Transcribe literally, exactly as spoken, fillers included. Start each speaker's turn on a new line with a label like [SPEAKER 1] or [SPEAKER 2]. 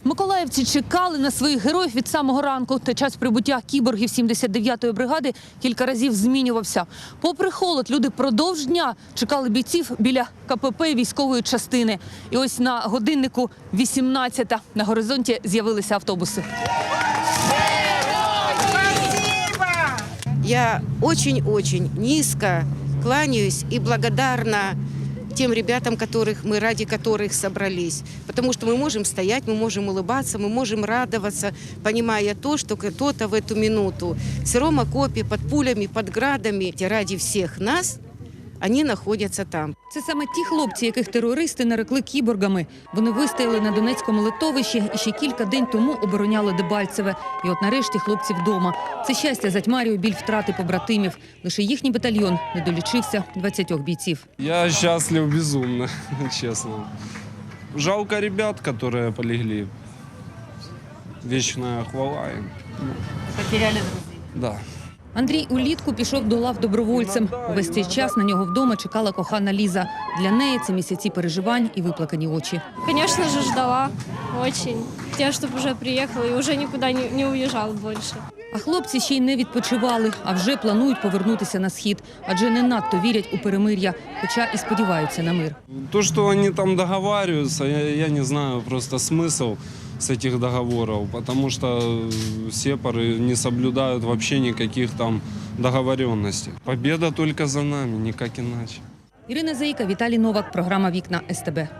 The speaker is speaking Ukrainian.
[SPEAKER 1] Миколаївці чекали на своїх героїв від самого ранку. Та час прибуття кіборгів сімдесят дев'ятої бригади кілька разів змінювався. Попри холод, люди продовж дня чекали бійців біля ка пе пе військової частини. І ось на годиннику вісімнадцята. На горизонті з'явилися автобуси.
[SPEAKER 2] Я очень-очень низко кланяюсь и благодарна тем ребятам, которых мы, ради которых собрались. Потому что мы можем стоять, мы можем улыбаться, мы можем радоваться, понимая то, что кто-то в эту минуту в сыром окопе, под пулями, под градами, ради всех нас, они находятся там.
[SPEAKER 1] Це саме ті хлопці, яких терористи нарекли кіборгами. Вони вистояли на Донецькому литовищі і ще кілька день тому обороняли Дебальцеве. І от нарешті хлопці вдома. Це щастя затьмарює біль втрати побратимів. Лише їхній батальйон не долічився двадцятьох бійців.
[SPEAKER 3] Я счастлив безумно, честно. Жалко ребят, которые полегли. Вечная хвала им.
[SPEAKER 1] Потеряли друзів.
[SPEAKER 3] Да.
[SPEAKER 1] Андрій улітку пішов до лав добровольцем. Увесь цей час на нього вдома чекала кохана Ліза. Для неї це місяці переживань і виплакані очі.
[SPEAKER 4] Конечно же, ждала очень. Хотела, чтобы уже приехала и уже никуда не, не уезжал больше.
[SPEAKER 1] А хлопці ще й не відпочивали, а вже планують повернутися на схід. Адже не надто вірять у перемир'я, хоча і сподіваються на мир.
[SPEAKER 3] То, что они там договариваются, я, я не знаю просто смысл с этих договоров, потому что сепары не соблюдают вообще никаких там договоренностей. Победа только за нами, никак иначе.
[SPEAKER 1] Ірина Заїка, Віталій Новак, програма «Вікна ес те бе».